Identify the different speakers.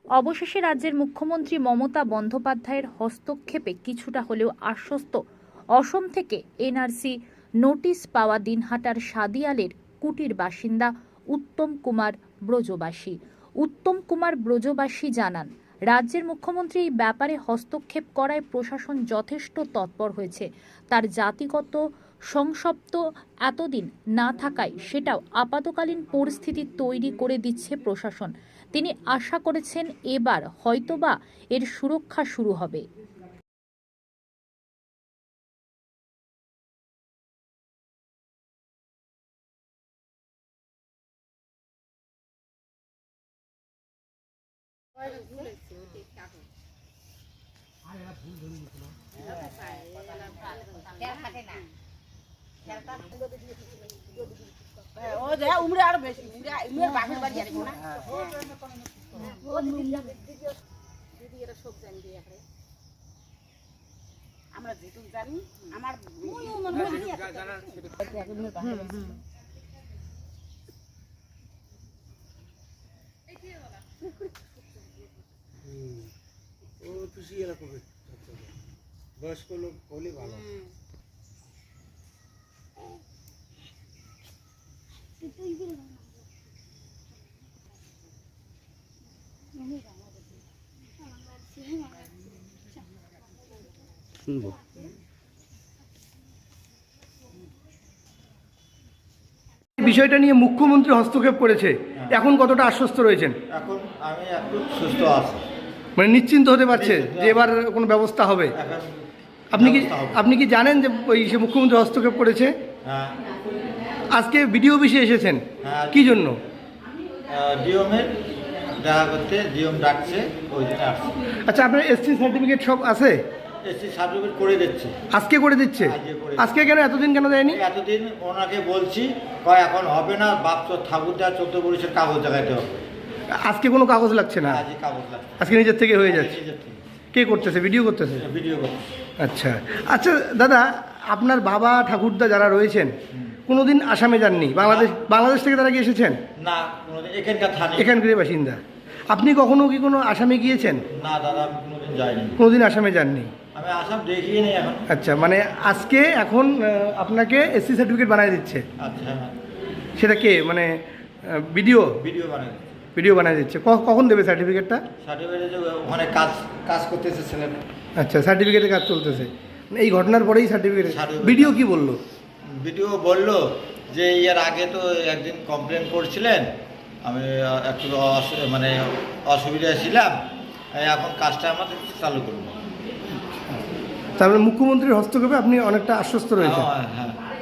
Speaker 1: অবশেষে রাজ্যের মুখ্যমন্ত্রী মমতা বন্দ্যোপাধ্যায়ের হস্তক্ষেপে কিছুটা হলেও আশ্বস্ত অসম থেকে এনআরসি নোটিশ পাওয়া দিনহাটার সাদিয়ালের কুটির বাসিন্দা উত্তম কুমার ব্রজবাসী। উত্তম কুমার ব্রজবাসী জানান, রাজ্যের মুখ্যমন্ত্রী এই ব্যাপারে হস্তক্ষেপ করায় প্রশাসন যথেষ্ট তৎপর হয়েছে। তার জাতিগত সংসপ্ত এতদিন না থাকায় সেটাও আপাতকালীন পরিস্থিতি তৈরি করে দিচ্ছে প্রশাসন। তিনি আশা করেছেন এবার হয়তোবা এর সুরক্ষা শুরু হবে।
Speaker 2: ও যা উমরে আর বেশি উমরে বাপের বাড়ি যাবে না ও দিদি এরা সব জানি দিয়ে এখানে আমরা যেটুক জানি আমার
Speaker 3: ও খুশি এরকম বয়স্ক লোক হলে ভালো। শুনবো
Speaker 4: বিষয়টা নিয়ে মুখ্যমন্ত্রী হস্তক্ষেপ করেছে, এখন কতটা আশ্বস্ত রয়েছেন?
Speaker 5: এখন আমি একটু সুস্থ আছি,
Speaker 4: মানে নিশ্চিন্ত হতে পারছে যে এবার কোনো ব্যবস্থা হবে?
Speaker 5: এখন
Speaker 4: আপনি কি জানেন যে ওই সে মুখ্যমন্ত্রী হস্তক্ষেপ করেছে?
Speaker 5: হ্যাঁ
Speaker 4: আজকে বিডিও অফিসে এসেছেন,
Speaker 5: হ্যাঁ।
Speaker 4: কি জন্য?
Speaker 5: ডিওমের দেখা করতে ডিওম ডাকছে, ওই জন্য আসছে।
Speaker 4: আচ্ছা, আপনার এসটি সার্টিফিকেট সব আছে?
Speaker 5: এসটি সার্টিফিকেট করে দিচ্ছে।
Speaker 4: আজকে করে দিচ্ছে? আজকে কেন, এতদিন কেন দেয়নি?
Speaker 5: এতদিন ওনাকে বলছি, কয় এখন হবে না, বাপ তো ঠাকুরদা 14 পুলিশের কাগজ দেখাইতে হবে।
Speaker 4: আজকে কোনো কাগজ লাগছে না?
Speaker 5: আজকে কাগজ লাগছে,
Speaker 4: আজকে নিজের থেকে হয়ে যাচ্ছে?
Speaker 5: নিজের থেকে।
Speaker 4: কে করতেছে? ভিডিও করতেছে?
Speaker 5: ভিডিও করতে।
Speaker 4: আচ্ছা আচ্ছা দাদা, আপনার বাবা ঠাকুরদা যারা রয়েছেন কোনোদিন আসামে যাননি? বাংলাদেশ থেকে তারা কি এসেছেন?
Speaker 5: না, কোনোদিন এখানকার থানি,
Speaker 4: এখানকারই বাসিন্দা। আপনি কখনো কি কোনো আসামে গিয়েছেন?
Speaker 5: না দাদা, আমি কোনোদিন যাইনি,
Speaker 4: কোনোদিন আসামে যাননি?
Speaker 5: আমি আসাম দেখিয়ে নেই এখন।
Speaker 4: আচ্ছা, মানে আজকে এখন আপনাকে এসসি সার্টিফিকেট বানিয়ে দিচ্ছে?
Speaker 5: আচ্ছা হ্যাঁ,
Speaker 4: সেটা কে, মানে ভিডিও
Speaker 5: ভিডিও বানাই
Speaker 4: ভিডিও বানিয়ে দিচ্ছে? কখন দেবে সার্টিফিকেটটা?
Speaker 5: সার্টিফিকেটে যে ওখানে কাজ করতেছে ছেলেটা।
Speaker 4: আচ্ছা, সার্টিফিকেটের কাজ চলতেছে, মানে এই ঘটনার পরেই সার্টিফিকেট?
Speaker 5: Certificate।
Speaker 4: ভিডিও কি বললো?
Speaker 5: ভিডিও বলল যে এর আগে তো একদিন কমপ্লেন করছিলেন, আমি একটু মানে অসুবিধায় ছিলাম, এখন কাজটা আমাদের চালু করবো।
Speaker 4: তারপরে মুখ্যমন্ত্রীর হস্তক্ষেপে আপনি অনেকটা আশ্বস্ত রয়েছেন?
Speaker 5: হ্যাঁ।